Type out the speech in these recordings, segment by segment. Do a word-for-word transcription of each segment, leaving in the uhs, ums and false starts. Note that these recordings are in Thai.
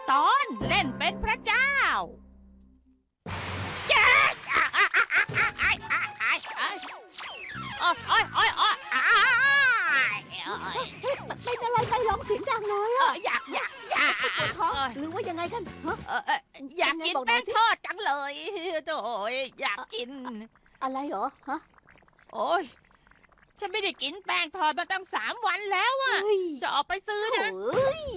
ตอนเล่นเป็นพระเจ้าแจ๊กโอ๊ยโอ๊ยโอ๊ยโอ๊ยเป็นอะไรไปร้องเสียงดังเลยอะอยากอยากอยากปวดท้องหรือว่ายังไงกันฮะอยากกินแป้งทอดจังเลยโถ่อยากกินอะไรเหรอฮะโอ๊ยฉันไม่ได้กินแป้งทอดมาตั้งสามวันแล้วอะจะออกไปซื้อนะเฮ้ย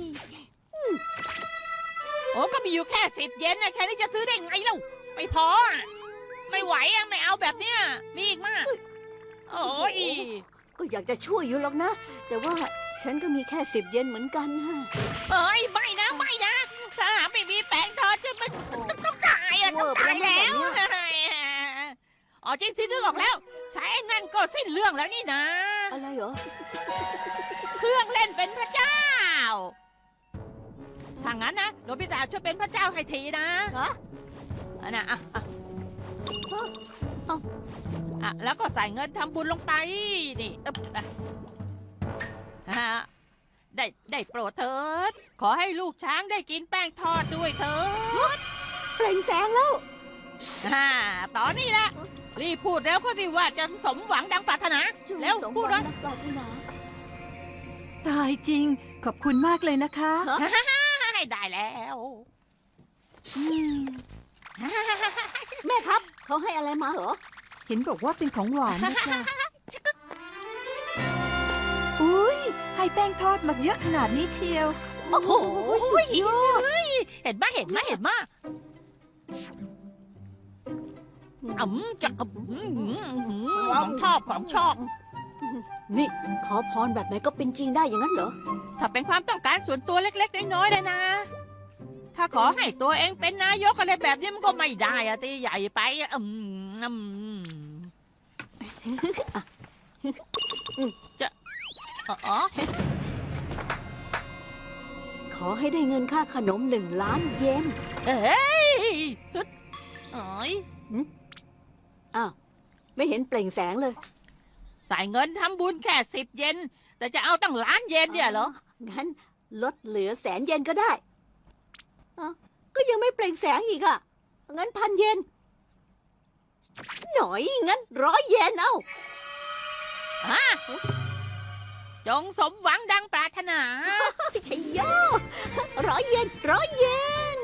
โอ้ก็มีอยู่แค่สิบเยนนะแค่นี้จะซื้อได้ไงเล่าไม่พออะไม่ไหวอะไม่เอาแบบเนี้ยมีอีกมากโอ้ยก็อยากจะช่วยอยู่หรอกนะ แต่ว่าฉันก็มีแค่สิบเยนเหมือนกันฮะเอ้ยไม่นะไม่นะถ้าหาไม่มีแป้งทอดจะมันต้องตายอะต้องตายแล้วอ๋อจริงสินึกออกแล้ว ใช้นั่นก็สิ้นเรื่องแล้วนี่นะอะไรเหรอเครื่องเล่นเป็นพระเจ้าถ้างั้นนะโนบิตะช่วยเป็นพระเจ้าให้ทีนะฮะอันน่ะอ่ะอ่ะฮะเอ้าอ่ะแล้วก็ใส่เงินทำบุญลงไปนี่อึ๊บอ่ะฮะได้ได้โปรดเถิดขอให้ลูกช้างได้กินแป้งทอดด้วยเถิดเปล่งแสงแล้วฮ่าตอนนี้ละรีบพูดแล้วก็สิว่าจะสมหวังดังปรารถนาแล้วสมพูดหวัว่างนักปรารถนาตายจริงขอบคุณมากเลยนะคะให้ได้แล้วอืมแม่ครับเขาให้อะไรมาเหรอเห็นบอกว่าเป็นของหวานนะจ๊ะอุ้ยให้แป้งทอดมาเยอะขนาดนี้เชียวโอ้โหสุดยอดเห็นไหมเห็นไหมเห็นไหมอืมจะอืมของชอบของชอบนี่ขอพรแบบไหนก็เป็นจริงได้อย่างนั้นเหรอถ้าเป็นความต้องการส่วนตัวเล็กๆน้อยๆเลยนะ ถ้าขอให้ตัวเองเป็นนายกอะไรแบบนี้มันก็ไม่ได้อะตีใหญ่ไปอะอืมอืมจะอ๋อขอให้ได้เงินค่าขนมหนึ่งล้านเยนเอ้ยโอ้ยอ้าวไม่เห็นเปล่งแสงเลยใส่เงินทำบุญแค่สิบเยนแต่จะเอาตั้งล้านเยนเนี่ยเหรองั้นลดเหลือแสนเยนก็ได้อ้าวก็ยังไม่เปล่งแสงอีกอะงั้นพันเยนหน่อยงั้นร้อยเยนเอาฮะจงสมหวังดังปรารถนาชัยโยร้อยเยนร้อยเยน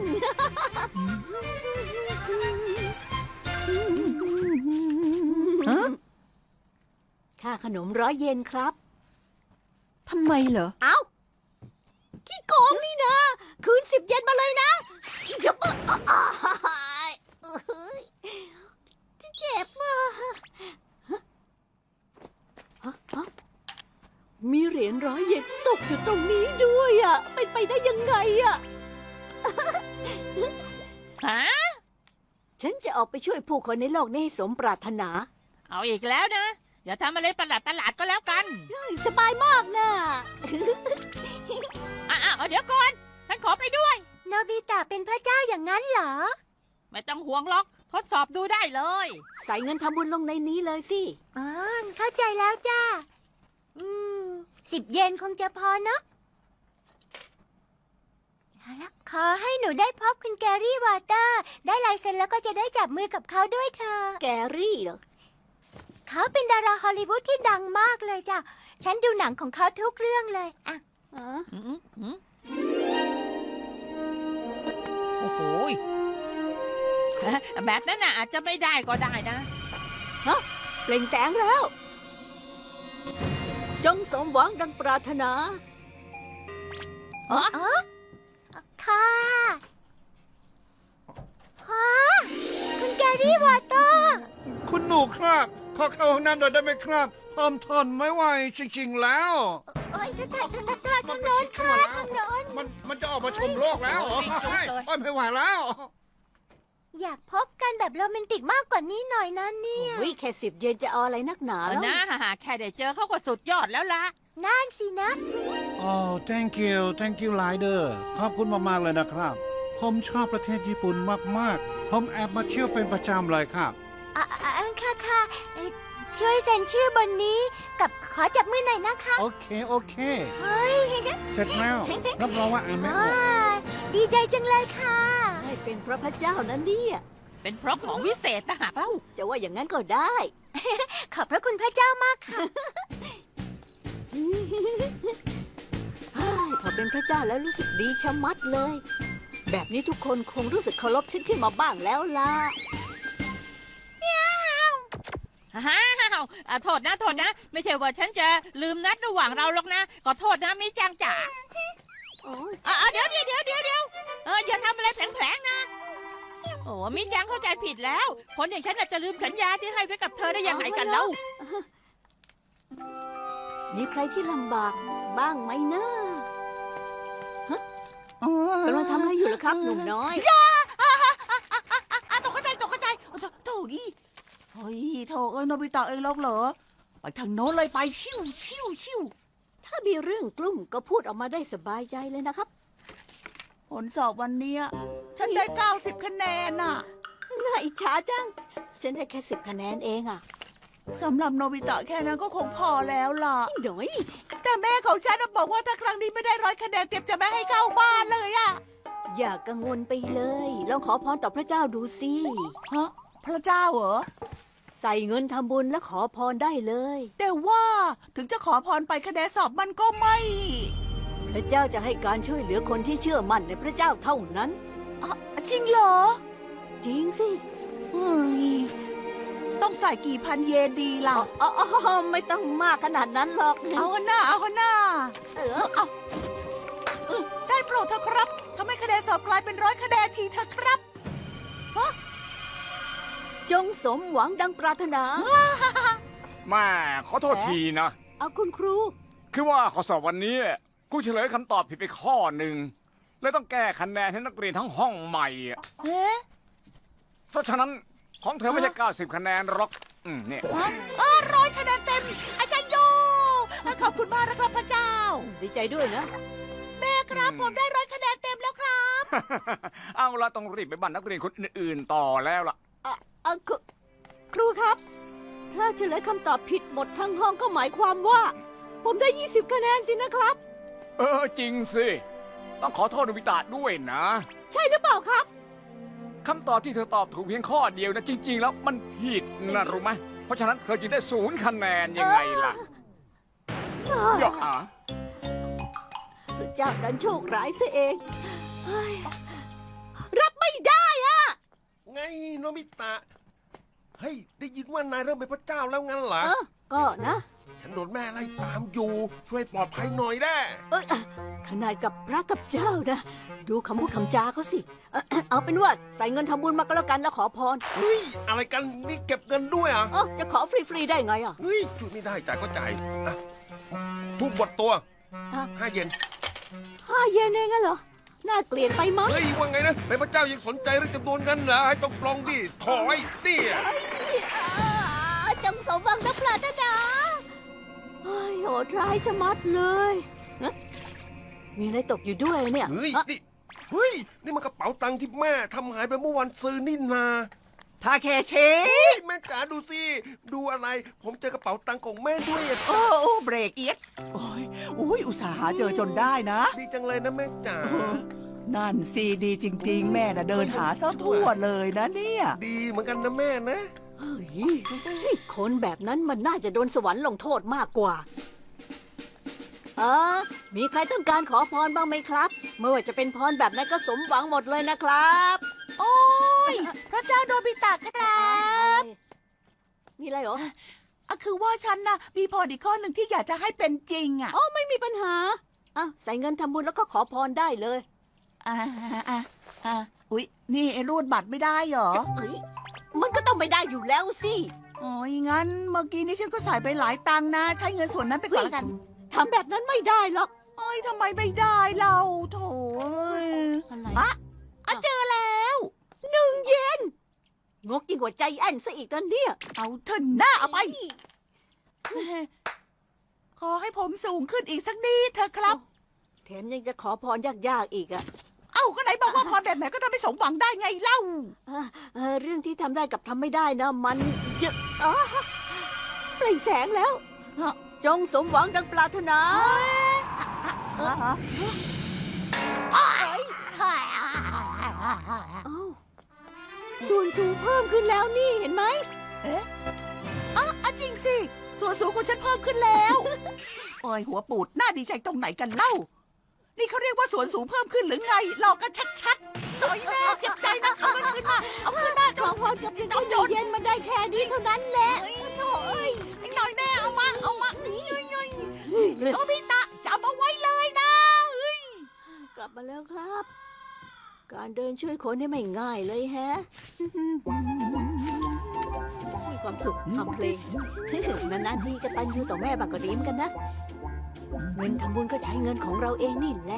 ฮะค่าขนมร้อยเยนครับทำไมเหรอเอ้าขี้โกงนี่นะ คืนสิบเยนมาเลยนะจะเปิดเจ็บอ่ะฮะฮะมีเหรียญร้อยเยนตกอยู่ตรงนี้ด้วยอ่ะเป็นไปได้ยังไงอ่ะฮะฉันจะออกไปช่วยผู้คนในโลกนี้ให้สมปรารถนาเอาอีกแล้วนะ อย่าทำอะไรประหลาดประหลาดก็แล้วกันสบายมากนะอ่ะเดี๋ยวก่อนฉันขอไปด้วยโนบิตะเป็นพระเจ้าอย่างนั้นเหรอไม่ต้องห่วงหรอกทดสอบดูได้เลยใส่เงินทำบุญลงในนี้เลยสิอ๋อ เข้าใจแล้วจ้า อืม สิบเยนคงจะพอเนาะเอาละขอให้หนูได้พบคุณแกรี่วอเตอร์ ได้ลายเซ็นแล้วก็จะได้จับมือกับเขาด้วยเธอแกรี่เหรอเขาเป็นดาราฮอลลีวูดที่ดังมากเลยจ้ะ ฉันดูหนังของเขาทุกเรื่องเลยอ่ะอ๋ออืมอืมโอ้โหยแบบนั้นน่ะอาจจะไม่ได้ก็ได้นะเปล่งแสงแล้ว จงสมหวังดังปรารถนาอ๋ออ๋อ ค่ะฮะคุณแกรี่วอเตอร์คุณหนูครับ ขอเข้าห้องน้ำหน่อยได้ไหมครับทอมทนไม่ไหวจริงๆแล้วเอ้ยทางทางทางทางทางโน้นค่ะทางโน้นมันมันจะออกมาชมโลกแล้วเหรอโอ้ยจุ๊บเลยโอ้ยไม่ไหวแล้วอยากพบกันแบบโรแมนติกมากกว่านี้หน่อยนะเนี่ยโอ้ยแค่สิบเยนจะเอาอะไรนักหนาเออแล้วนะแค่ได้เจอเขาก็สุดยอดแล้วล่ะนั่นสินะโอ้ thank you thank you หลายเดอร์ขอบคุณมากๆเลยนะครับ ผมชอบประเทศญี่ปุ่นมากๆ ผมแอบมาเที่ยวเป็นประจำเลยครับอ่ะอ่ะอ่ะค่ะค่ะเอ่อช่วยเซ็นชื่อบนนี้กับขอจับมือหน่อยนะคะโอเค โอเคเฮ้ยเสร็จแล้ว รับรองว่าอ่านไม่ออกว้าดีใจจังเลยค่ะให้เป็นเพราะพระเจ้านั้นเนี่ยเป็นเพราะของวิเศษนะหากเล่าจะว่าอย่างนั้นก็ได้ขอบพระคุณพระเจ้ามากค่ะเฮ้ยพอเป็นพระเจ้าแล้วรู้สึกดีชะมัดเลย แบบนี้ทุกคนคงรู้สึกเคารพฉันขึ้นมาบ้างแล้วล่ะฮ่าวอ่ะโทษนะโทษนะ ไม่ใช่ว่าฉันจะลืมนัดระหว่างเราหรอกนะขอโทษนะมิจังจ๋าโอ้ยอ่ะอ่ะเดี๋ยวเดี๋ยวเดี๋ยวเดี๋ยวเดี๋ยวเอออย่าทำอะไรแผลงๆนะโอ้มิจังเข้าใจผิดแล้วคนอย่างฉันน่ะจะลืมสัญญาที่ให้ไว้กับเธอได้ยังไงกันเล่ามีใครที่ลำบากบ้างไหมนะกำลังทำอะไรอยู่ล่ะครับหนุ่มน้อยอ่ะตกใจตกใจโถโถอีเฮ้ยโถเอ้ยโนบิตะเองหรอกเหรอ ไปทางโน้นเลยไปชิวชิวชิวถ้ามีเรื่องกลุ่มก็พูดออกมาได้สบายใจเลยนะครับผลสอบวันเนี้ยฉันได้เก้าสิบคะแนนน่ะน่าอิจฉาจัง ฉันได้แค่สิบคะแนนเองอ่ะสำหรับโนบิตะแค่นั้นก็คงพอแล้วล่ะหน่อยแต่แม่ของฉันน่ะบอกว่าถ้าครั้งนี้ไม่ได้ร้อยคะแนนเต็มจะไม่ให้เข้าบ้านเลยอะอย่ากังวลไปเลย ลองขอพรต่อพระเจ้าดูสิฮะพระเจ้าเหรอใส่เงินทำบุญและขอพรได้เลยแต่ว่าถึงจะขอพรไปคะแนนสอบมันก็ไม่พระเจ้าจะให้การช่วยเหลือคนที่เชื่อมั่นในพระเจ้าเท่านั้นอ่ะจริงเหรอจริงสิเฮ้ยต้องใส่กี่พันเยนดีล่ะอ๋ออ๋อไม่ต้องมากขนาดนั้นหรอกเอาหน้าเอาหน้าเออเอาเออได้โปรดเถอะครับทำให้คะแนนสอบกลายเป็นร้อยคะแนนทีเถอะครับจงสมหวังดังปรารถนาแม่ขอโทษทีนะเอาคุณครูคือว่าข้อสอบวันนี้กูเฉลยคำตอบผิดไปข้อหนึ่งเลยต้องแก้คะแนนให้นักเรียนทั้งห้องใหม่อะเอ๊ะเพราะฉะนั้นของเธอไม่ใช่เก้าสิบคะแนนหรอกอืมเนี่ยฮะเออร้อยคะแนนเต็มอาจารย์โยขอบคุณมากนะครับพระเจ้าดีใจด้วยนะแม่ครับผมได้ร้อยคะแนนเต็มแล้วครับเอาละต้องรีบไปบ้านนักเรียนคนอื่นๆต่อแล้วล่ะอ่ะอ่ะครูครูครับ ถ้าเฉลยคำตอบผิดหมดทั้งห้องก็หมายความว่า ผมได้ยี่สิบคะแนนสินะครับเออจริงสิ ต้องขอโทษโนบิตะด้วยนะใช่หรือเปล่าครับคำตอบที่เธอตอบถูกเพียงข้อเดียวนะจริง ๆ แล้วมันผิดนะรู้ไหมเพราะฉะนั้นเธอจึงได้ศูนย์คะแนนยังไงล่ะหยอกอ่ะพระเจ้าดันโชคร้ายซะเองเฮ้ยรับไม่ได้อะไงโนบิตะ เฮ้ย ได้ยินว่านายเริ่มเป็นพระเจ้าแล้วงั้นเหรอเออก็นะฉันโดนแม่ไล่ตามอยู่ ช่วยปลอดภัยหน่อยได้เอ้ยอ่ะขนาดกับพระกับเจ้านะ ดูคำพูดคำจาเขาสิ เอ่อเอาเป็นว่าใส่เงินทำบุญมาก็แล้วกันแล้วขอพรเฮ้ย อะไรกันนี่เก็บเงินด้วยเหรอ่ะเออจะขอฟรีๆได้ไงอ่ะเฮ้ยจุดไม่ได้จ่ายก็จ่ายอ่ะทุบบทตัวอ่ะห้าเยนห้าเยนเองอะเหรอ น่าเกลียดไปมั้งเฮ้ย ว่าไงนะ เป็นพระเจ้ายังสนใจเรื่องจำนวนเงินเหรอ ให้ต้องปลองดิถอยเตี้ยอ่าจงสมหวังนะปรารถนาเฮ้ยโหดร้ายชะมัดเลยฮะมีอะไรตกอยู่ด้วยเนี่ยเฮ้ยอ่ะนี่ เฮ้ย นี่มันกระเป๋าตังค์ที่แม่ทำหายไปเมื่อวันซื้อนี่นาทาเคเชเฮ้ยแม่จ๋าดูสิ ดูอะไร ผมเจอกระเป๋าตังค์ของแม่ด้วยอะโอ้โอ้เบรกเอียดโอ้ยอุ้ยอุตส่าห์หาเจอจนได้นะดีจังเลยนะแม่จ๋านั่นซีดีจริง ๆ แม่น่ะเดินหาซะทั่วเลยนะเนี่ยดีเหมือนกันนะแม่นะเฮ้ยคนแบบนั้นมันน่าจะโดนสวรรค์ลงโทษมากกว่า เออ มีใครต้องการขอพรบ้างไหมครับ ไม่ว่าจะเป็นพรแบบไหนก็สมหวังหมดเลยนะครับโอ้ยพระเจ้าโดบิตะครับมีอะไรเหรออะคือว่าฉันนะมีพรอีกข้อหนึ่งที่อยากจะให้เป็นจริงอ่ะอ๋อ ไม่มีปัญหาอ่ะใส่เงินทำบุญแล้วก็ขอพรได้เลยอ่าอ่าอ่าอุ๊ย นี่ไอ้รูดบัตรไม่ได้เหรอเฮ้ยมันก็ต้องไม่ได้อยู่แล้วสิโอ้ยงั้นเมื่อกี้นี้ฉันก็ใส่ไปหลายตังค์นะ ใช้เงินส่วนนั้นไปก่อนละกันทำแบบนั้นไม่ได้หรอกโอ้ยทำไมไม่ได้เราโถยอะไรอะอะเจอแล้วหนึ่งเยนงกยิ่งกว่าใจแอนซะอีกนะเนี่ยเอาเถอะหน้าเอาไป ขอให้ผมสูงขึ้นอีกสักนิดเถอะครับแถมยังจะขอพรยากๆอีกอะเอ้าก็ไหนบอกว่าพรแบบไหนก็ทำให้สมหวังได้ไงเล่าเอ่อเอ่อเรื่องที่ทำได้กับทำไม่ได้นะมันจะอ๋อเปล่งแสงแล้วฮะจงสมหวังดังปรารถนาฮะเอ้ยเอ้าส่วนสูงเพิ่มขึ้นแล้วนี่เห็นไหมอ่ะจริงสิ ส่วนสูงของฉันเพิ่มขึ้นแล้ว โอ้ยหัวปูดน่าดีใจตรงไหนกันเล่า นี่เขาเรียกว่าส่วนสูงเพิ่มขึ้นหรือไงหลอกกันชัดๆหน่อยแน่เจ็บใจนะเอาเงินขึ้นมาเอาขึ้นมาขเจ้าอพรกับยังก็อยู่เย็นมาได้แค่นี้เท่านั้นแหละโถ่เอ้ยหน่อยแน่เอามาเอามานี่ยๆโนบิตะจำเอาไว้เลยนะเฮ้ยกลับมาแล้วครับ การเดินช่วยคนนี่ไม่ง่ายเลยแฮะ มีความสุขทำเพลงนานๆทีกตัญญูต่อแม่บางก็ดีเหมือนกันนะ เงินทำบุญก็ใช้เงินของเราเองนี่แหละ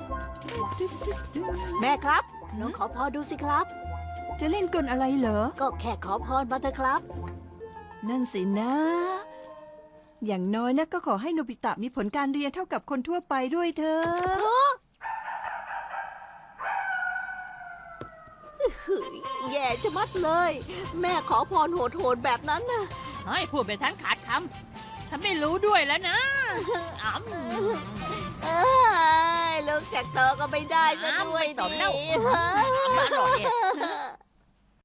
แม่ครับน้องขอพรดูสิครับจะเล่นกลอะไรเหรอก็แค่ขอพรมาเถอะครับนั่นสินะ อย่างน้อยนะก็ขอให้โนบิตะมีผลการเรียนเท่ากับคนทั่วไปด้วยเถอะแย่ชะมัดเลย แม่ขอพรโหดๆแบบนั้นน่ะเฮ้ยพูดไปทั้งขาดคำฉันไม่รู้ด้วยแล้วนะอ๋อเอ้ยลูกจากโตก็ไม่ได้ซะด้วยไม่สนแล้วดิมาหน่อยเนี่ย